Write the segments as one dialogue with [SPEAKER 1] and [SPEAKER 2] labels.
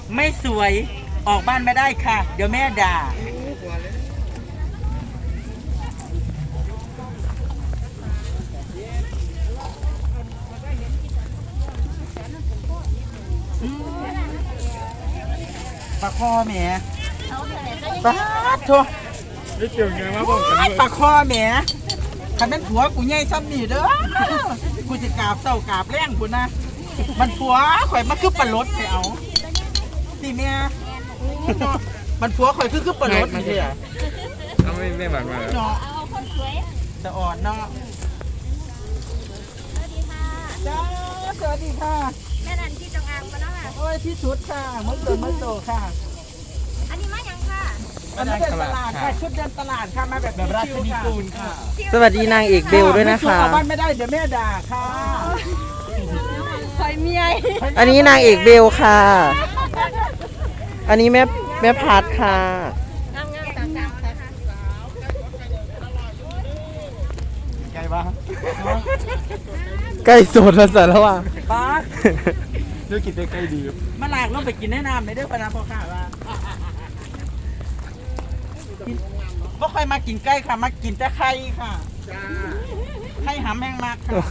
[SPEAKER 1] ไม่สวยออกบ้านไม่ได้ค่ะเดี๋ยวแม่ด่าปลาคอแหมปลาทัวนี่เกี่ยวไงวะบอกกันปลาคอแหมคันนั้นผัวกูใหญ่ซ้ำนี่เด้อกูจะกราบเศร้ากราบแรงกูนะมันผัวข่อยมาคือปลาลดไปเอาสิแม่มันผัวข่อยคือปลาลดนี่เลยอ่ะ
[SPEAKER 2] เอาไม่หวานมา
[SPEAKER 1] เนาะ
[SPEAKER 3] เอาคนสวย
[SPEAKER 1] จะอ่อนเนาะจ้าสวัสดีค่ะ
[SPEAKER 3] แม่นันที่จงอางมาแล้วค่ะ
[SPEAKER 1] โอ้ยที่สุดค่ะมดโตค่ะ
[SPEAKER 3] อันนี้มายังค่ะ
[SPEAKER 1] อันนี้เป็นตลาดค่ะชุดเดินตลาดค่ะมาแบบราชนิกูลค่ะ
[SPEAKER 4] สวัสดีนางเอกเบลด้วยนะคะ
[SPEAKER 1] ออกบ้านไม่ได้เดี๋ยวแม่ด่าค่ะ
[SPEAKER 3] คอยเมีย
[SPEAKER 4] อันนี้นางเอกเบลค่ะ อันนี้แม่พัดค่ะ
[SPEAKER 3] งามๆต่างๆค่ะ
[SPEAKER 1] ไงบ้าง
[SPEAKER 4] ใกล้สดแล้วสารว่ะ
[SPEAKER 1] ป้า
[SPEAKER 2] เลือกกินได้ใกล้ดี
[SPEAKER 1] มาลากลงไปกินแนะนำในเด้อปะนะพ่อข้าว่าก็ค่อยมากินใกล้ค่ะมากินแต่ไข่ค่ะไข่หำแห้งมากค่ะ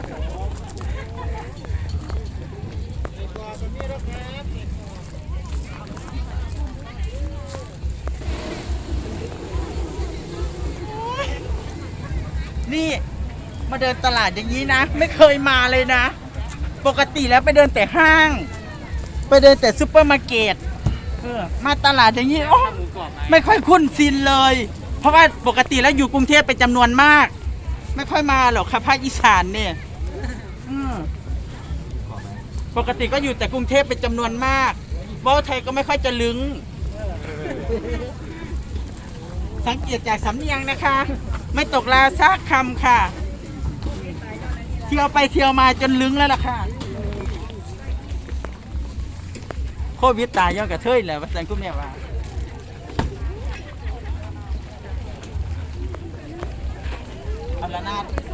[SPEAKER 1] นี่มาเดินตลาดอย่างนี้นะไม่เคยมาเลยนะปกติแล้วไปเดินแต่ห้างไปเดินแต่ซุปเปอร์มาร์เก็ตมาตลาดอย่างนี้โอ้ไม่ค่อยคุ้นชินเลยเพราะว่าปกติแล้วอยู่กรุงเทพเป็นจำนวนมากไม่ค่อยมาหรอกค่ะภาคอีสานเนี่ยปกติก็อยู่แต่กรุงเทพเป็นจำนวนมากเว้าไทยก็ไม่ค่อยจะลึงสังเกตจากสำเนียงนะคะ ไม่ตกลาซักคำค่ะเที่ยวไปเที่ยวมาจนลึงแล้วล่ะค่ะโควิดตายย้อนกระเทยแหละว่าสันคุณแม่ว่าเอาละนาด